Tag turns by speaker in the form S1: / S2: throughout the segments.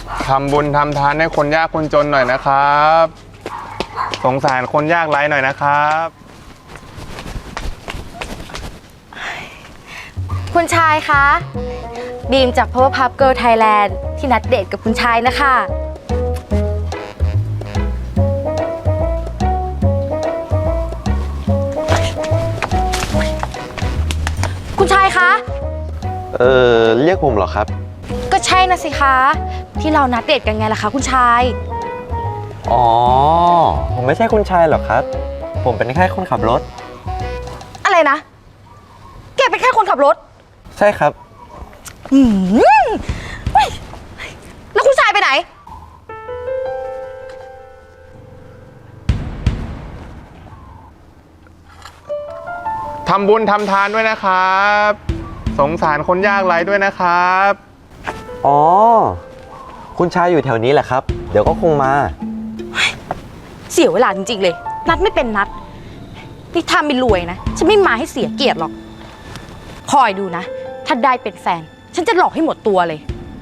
S1: ทำบุญทำทานให้คนยากคนจนหน่อยนะครับสงสารคนยากไร้หน่อยนะครับ
S2: คุณชายคะบีมจาก Powerpuff Girl Thailand ที่นัดเดทกับคุณชายนะคะคุณชายคะ
S3: เรียกผมเหรอครับ
S2: ก็ใช่นะสิคะที่เรานัดเดทกันไงล่ะคะคุณชาย
S3: อ๋อ ผมไม่ใช่คุณชายหรอกครับ ผมเป็นแค่คนขับรถ
S2: อะไรนะแกเป็นแค่คนขับรถ
S3: ใช่ครับ
S2: เฮ้ยแล้วคุณชายไปไหน
S1: ทำบุญทำทานด้วยนะครับสงสารคนยากไร้ด้วยนะครับ
S3: อ๋อ คุณชายอยู่แถวนี้แหละครับ เดี๋ยวก็คงมา
S2: เสียเวลาจริงๆเลยนัดไม่เป็นนัดนี่ถ้าไม่รวยนะฉันไม่มาให้เสียเกียรติหรอกคอยดูนะถ้าได้เป็นแฟนฉันจะหลอกให้หมดตัวเลย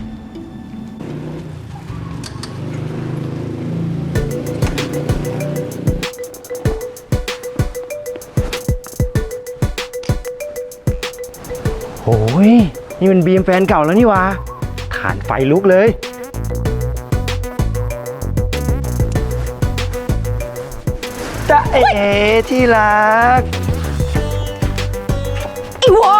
S4: โอ้ยนี่มันบีมแฟนเก่าแล้วนี่วะขานไฟลุกเลยจ๊ะเอ๋ที่รัก
S2: อีวอ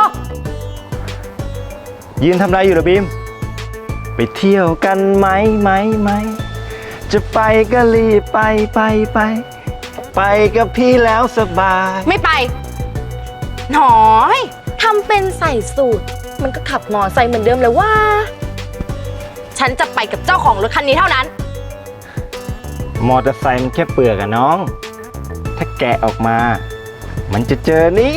S4: ยืนทำอะไรอยู่เหรอบีม ไปเที่ยวกันไหมจะไปก็รีบไปกับพี่แล้วสบาย
S2: ไม่ไปหนอยทำเป็นใส่สูตรมันก็ขับมอไซค์เหมือนเดิมเลยว่าฉันจะไปกับเจ้าของรถคันนี้เท่านั้น
S4: มอเตอร์ไซค์มันแค่เปลือกอะน้อง ถ้าแกะออกมา มันจะเจอนี่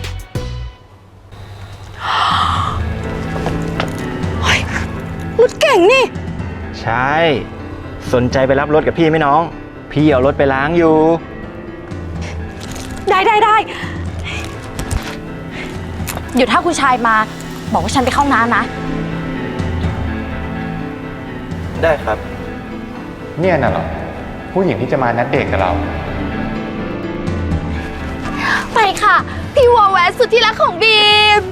S2: รถเก่งนี่
S4: ใช่ สนใจไปรับรถกับพี่ไหมน้อง พี่เอารถไปล้างอยู่
S2: ได้เดี๋ยวถ้าคุณชายมาบอกว่าฉันไปเข้าน้ำนะ
S3: ได้ครับ
S1: เนี่ยน่ะเหรอผู้หญิงที่จะมานัดเดทกับเรา
S2: ไปค่ะ พี่วอแหวนสุดที่รักของบีม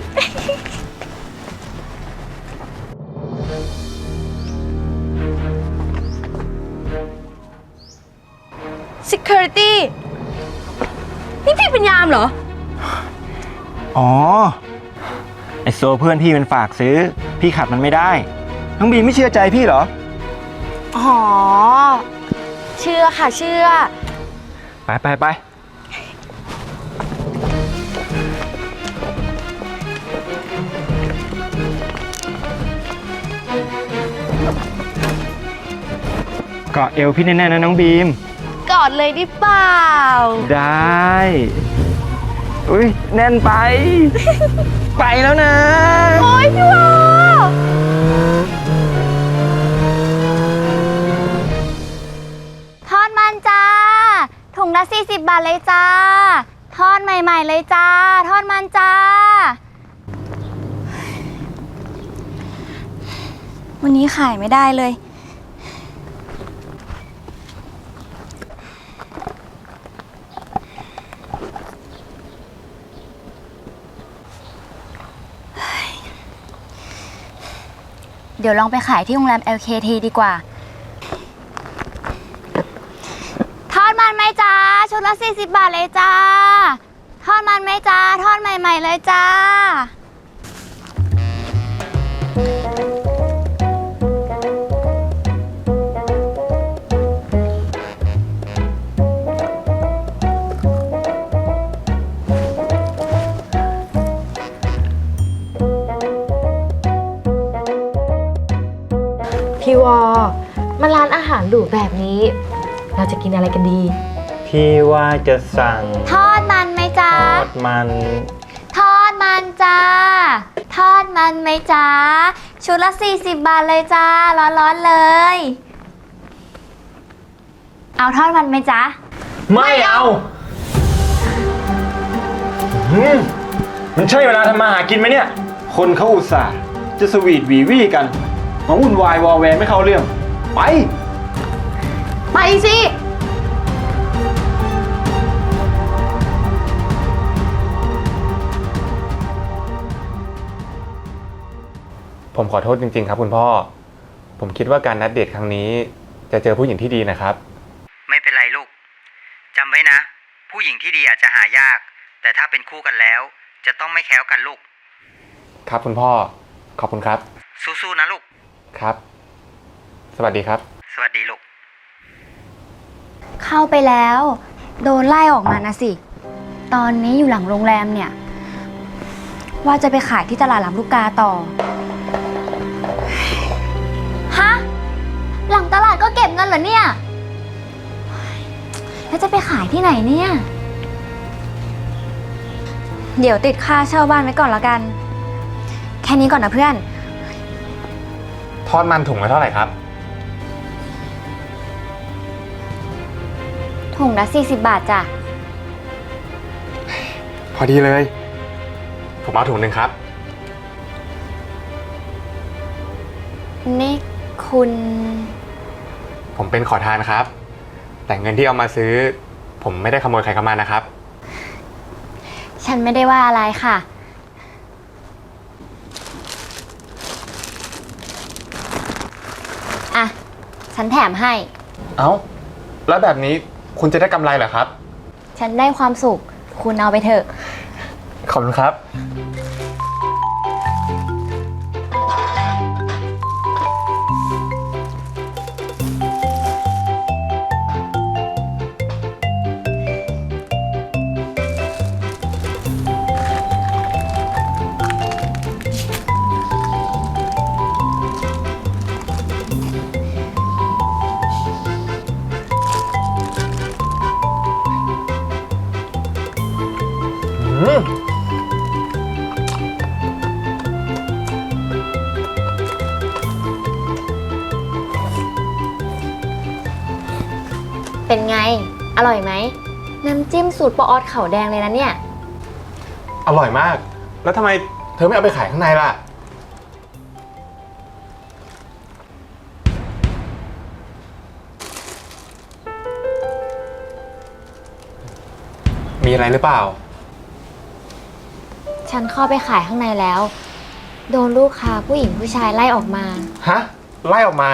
S2: Security นี่พี่เป็นยามเหรอ
S4: อ๋อ ไอโซเพื่อนพี่มันฝากซื้อ พี่ขับมันไม่ได้ น้องบีมไม่เชื่อใจพี่เหรอ
S2: อ๋อ เชื่อค่ะเชื่อ
S4: ไป เกาะเอวพี่แน่ๆนะน้องบีม
S2: กอดเลยดิเปล่า
S4: ได้ อุ้ยแน่นไป ไปแล้วนะ
S2: โอ๊ยพี่วอ
S5: ทอดมันจ้า ถุงละ40 บาทเลยจ้า ทอดใหม่ๆเลยจ้า ทอดมันจ้า วันนี้ขายไม่ได้เลย เดี๋ยวลองไปขายที่โรงแรม LKT ดีกว่า ทอดมันไหมจ้า ชุดละ40 บาทเลยจ้า ทอดมันไหมจ้า ทอดใหม่ๆเลยจ้า
S2: พี่วอมาร้านอาหารหรูแบบนี้ เราจะกินอะไรกันดี
S4: พี่ว่าจะสั่ง
S5: ทอดมันไหมจ้า
S4: ทอดมัน
S5: ทอดมันจ้า ทอดมันไหมจ้า ชุดละ40 บาทเลยจ้า ร้อนๆเลย เอาทอดมันไหมจ้า
S4: ไม่เอามันใช่เวลาทำมาหากินไหมเนี่ย คนเขาอุตส่าห์จะสวีทหวีวี่กัน มาวุ่นวายวอแวร์ไม่เข้าเรื่องไป
S2: ไปสิ
S1: ผมขอโทษจริงๆครับคุณพ่อ ผมคิดว่าการนัดเดทครั้งนี้จะเจอผู้หญิงที่ดีนะครับ
S6: ไม่เป็นไรลูก จำไว้นะ ผู้หญิงที่ดีอาจจะหายาก แต่ถ้าเป็นคู่กันแล้ว จะต้องไม่แคล้วกันลูก
S1: ครับคุณพ่อ ขอบคุณครับ
S6: สู้ๆนะลูก
S1: ครับ สวัสดีครับ
S6: สวัสดีลูก
S5: เข้าไปแล้ว โดนไล่ออกมานะสิ ตอนนี้อยู่หลังโรงแรมเนี่ย ว่าจะไปขายที่ตลาดลำลูกกาต่อ ฮะ หลังตลาดก็เก็บเงินเหรอเนี่ย แล้วจะไปขายที่ไหนเนี่ย เดี๋ยวติดค่าเช่าบ้านไว้ก่อนแล้วกัน แค่นี้ก่อนนะเพื่อน
S1: ทอดมันถุงละเท่าไหร่ครับ
S5: ถุงละ40 บาทจ้ะ
S1: พอดีเลย ผมเอาถุงหนึ่งครับ
S5: นี่คุณ
S1: ผมเป็นขอทานครับ แต่เงินที่เอามาซื้อ ผมไม่ได้ขโมยใครเข้ามานะครับ
S5: ฉันไม่ได้ว่าอะไรค่ะ อ่ะ ฉันแถมให้
S1: เอ้า แล้วแบบนี้คุณจะได้กำไรเหรอครับ
S5: ฉันได้ความสุข คุณเอาไปเถอะ
S1: ขอบคุณครับ
S5: เป็นไง อร่อยไหม น้ำจิ้มสูตรปออดเขาแดงเลยนะเนี่ย
S1: อร่อยมาก แล้วทำไมเธอไม่เอาไปขายข้างในล่ะ มีอะไรหรือเปล่า
S5: ฉันเข้าไปขายข้างในแล้ว โดนลูกค้าผู้หญิงผู้ชายไล่ออกมา
S1: ฮะ ไล่ออกมา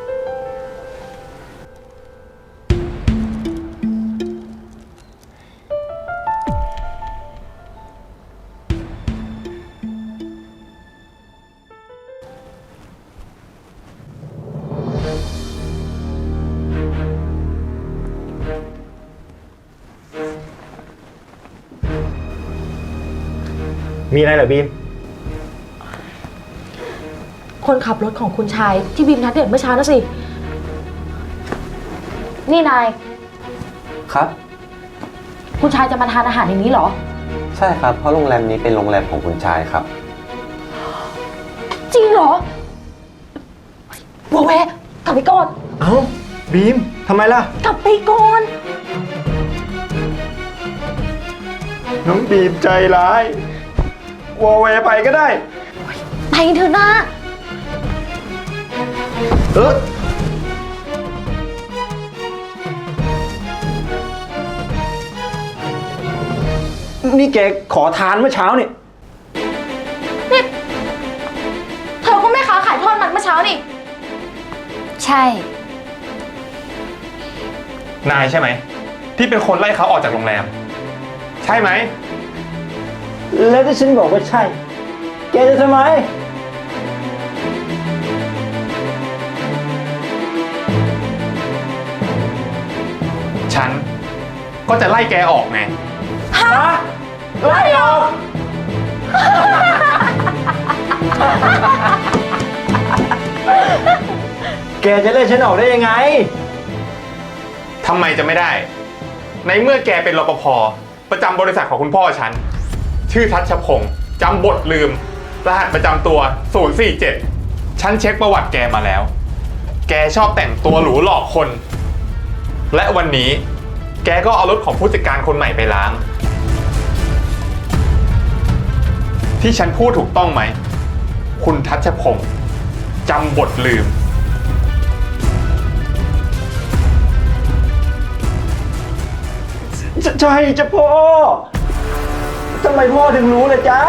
S4: มีอะไรเหรอบีม
S2: คนขับรถของคุณชายที่บีมนัดเดทเมื่อเช้านะสิ นี่นาย
S3: ครับ
S2: คุณชายจะมาทานอาหารในนี้เหรอ
S3: ใช่ครับ เพราะโรงแรมนี้เป็นโรงแรมของคุณชายครับ
S2: จริงเหรอวัวแวะกลับไปก่อน
S4: เอ้า บีม ทำไมล่ะ
S2: กลับไปก่อน
S4: น้องบีมใจร้าย วอลเวไปก็ได้
S2: ไปเถอะนะ
S4: เออนี่แกขอทานเมื่อเช้านี่
S2: นี่เธอก็ไม่ค้าขายทอดมันเมื่อเช้านี่
S5: ใช่
S1: นายใช่ไหม ที่เป็นคนไล่เขาออกจากโรงแรม ใช่ไหม
S4: แล้วที่ฉันบอกว่าใช่ แกจะทำไม
S1: ฉันก็จะไล่แกออกไง
S4: ฮะ ไล่ออก แกจะไล่ฉันออกได้ยังไง
S1: ทำไมจะไม่ได้ ในเมื่อแกเป็นรปภประจำบริษัทของคุณพ่อฉัน ชื่อทัชพงศ์จำบทลืม รหัสประจำตัว 047 ฉันเช็คประวัติแกมาแล้ว แกชอบแต่งตัวหรูหลอกคน และวันนี้แกก็เอารถของผู้จัดการคนใหม่ไปล้าง ที่ฉันพูดถูกต้องไหม คุณทัชพงศ์จำบทลืม
S4: ใช่จ้ะพ่อทำไมพ่อถึงรู้เลยจ๊ะ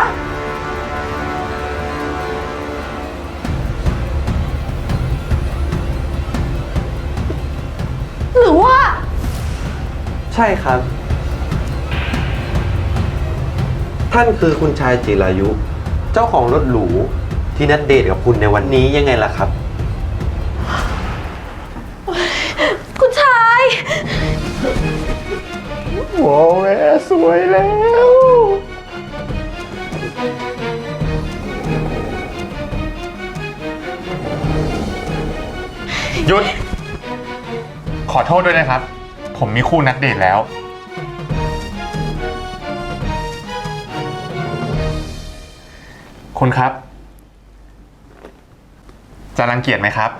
S2: หรือว่า
S3: ใช่ครับ ท่านคือคุณชายจิรายุ เจ้าของรถหรูที่นัดเดทกับคุณในวันนี้ยังไงล่ะครับ
S2: คุณชาย
S1: โอ้แม่สวยแล้ว หยุด ขอโทษด้วยนะครับ ผมมีคู่นัดเดทแล้ว คุณครับ จะรังเกียจไหมครับ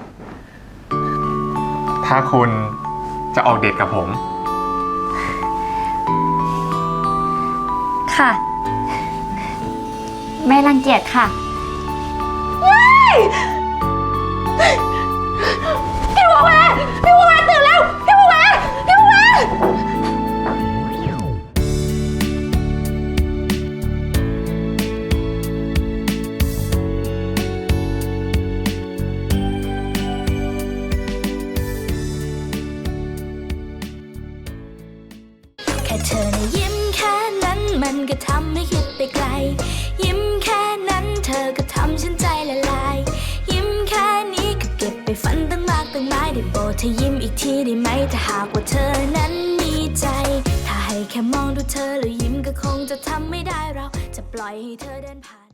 S1: ถ้าคุณจะออกเดทกับผม
S5: ค่ะ ไม่รังเกียจค่ะ
S2: พี่วแวตื่นแล้ว พี่วแว
S7: แค่เธอนะยิ้มแค่นั้นมันก็ทำให้คิดไปไกล ยิ้มแค่นั้นเธอก็ทำฉันใจละลาย ยิ้มแค่นี้ก็เก็บไปฝันตั้งมากตั้งหลายได้โปรดเธอยิ้มอีกทีได้ไหมถ้าหากว่าเธอนั้นมีใจ ถ้าให้แค่มองดูเธอแล้วยิ้มก็คงจะทำไม่ได้เราจะปล่อยให้เธอเดินผ่าน